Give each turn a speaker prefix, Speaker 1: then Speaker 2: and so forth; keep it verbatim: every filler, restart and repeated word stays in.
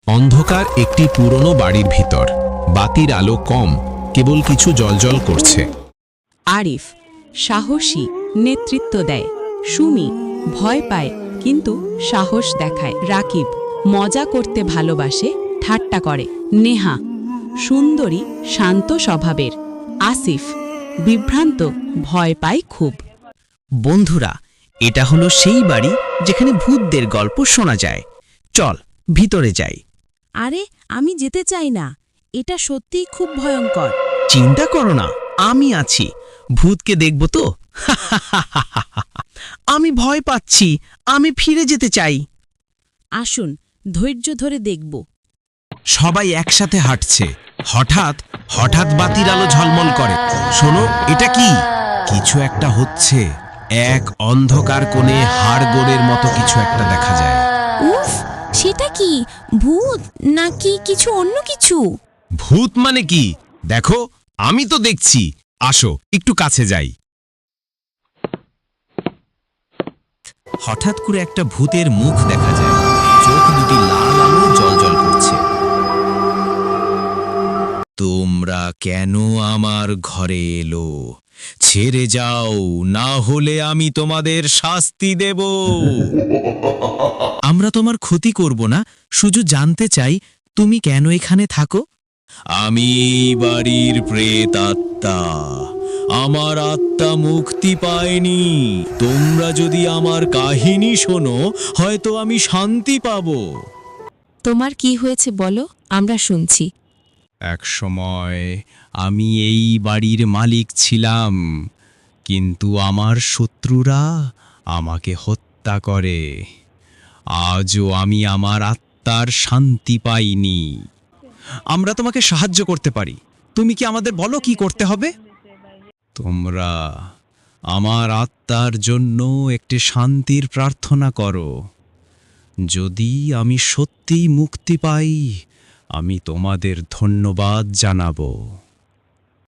Speaker 1: অন্ধকার একটি পুরনো বাড়ির ভিতর। বাতির আলো কম, কেবল কিছু জ্বলজ্বল করছে।
Speaker 2: আরিফ সাহসী, নেতৃত্ব দেয়। সুমি ভয় পায় কিন্তু সাহস দেখায়। রাকিব মজা করতে ভালোবাসে, ঠাট্টা করে। নেহা সুন্দরী, শান্ত স্বভাবের। আসিফ বিভ্রান্ত, ভয় পায় খুব।
Speaker 3: বন্ধুরা, এটা হলো সেই বাড়ি যেখানে ভূতদের গল্প শোনা যায়। চল ভিতরে যাই।
Speaker 2: আরে আমি যেতে চাই না, এটা সত্যিই খুব ভয়ঙ্কর।
Speaker 3: চিন্তা করো না, আমি আছি। ভূতকে দেখব তো। আমি ভয় পাচ্ছি, আমি ফিরে যেতে চাই।
Speaker 2: আসুন ধৈর্য ধরে দেখব।
Speaker 1: সবাই একসাথে হাঁটছে। হঠাৎ হঠাৎ বাতির আলো ঝলমল করে। শোনো, এটা কি? কিছু একটা হচ্ছে। এক অন্ধকার কোণে হাড়গোড়ের মতো কিছু একটা দেখা যায়।
Speaker 4: উফ, সেটা কি ভূত নাকি কিছু অন্য কিছু?
Speaker 1: ভূত মানে কি? দেখো, আমি তো দেখছি। আসো একটু কাছে যাই।
Speaker 3: হঠাৎ করে একটা ভূতের মুখ দেখা যায়। চোখ দুটি লাল আলো জ্বলজ্বল করছে। তোমরা কেন আমার ঘরে এলো? ছেড়ে যাও, না হলে আমি তোমাদের শাস্তি দেব। আমরা তোমার ক্ষতি করব না, শুধু জানতে চাই তুমি কেন এখানে থাকো। আমি এই বাড়ির প্রেত আত্মা। আমার আত্মা মুক্তি পায়নি। তোমরা যদি আমার কাহিনী শোনো, হয়তো আমি শান্তি পাবো।
Speaker 4: তোমার কি হয়েছে বলো, আমরা শুনছি।
Speaker 1: এক সময় আমি এই বাড়ির মালিক ছিলাম, কিন্তু আমার শত্রুরা আমাকে হত্যা করে। আজও আমি আমার আত্মার শান্তি পাইনি। আমরা তোমাকে সাহায্য করতে পারি। তুমি কি আমাদের বলো কি করতে হবে? তোমরা আমার আত্মার জন্য একটি শান্তির প্রার্থনা করো। যদি আমি সত্যিই মুক্তি পাই, আমি তোমাদের ধন্যবাদ জানাবো।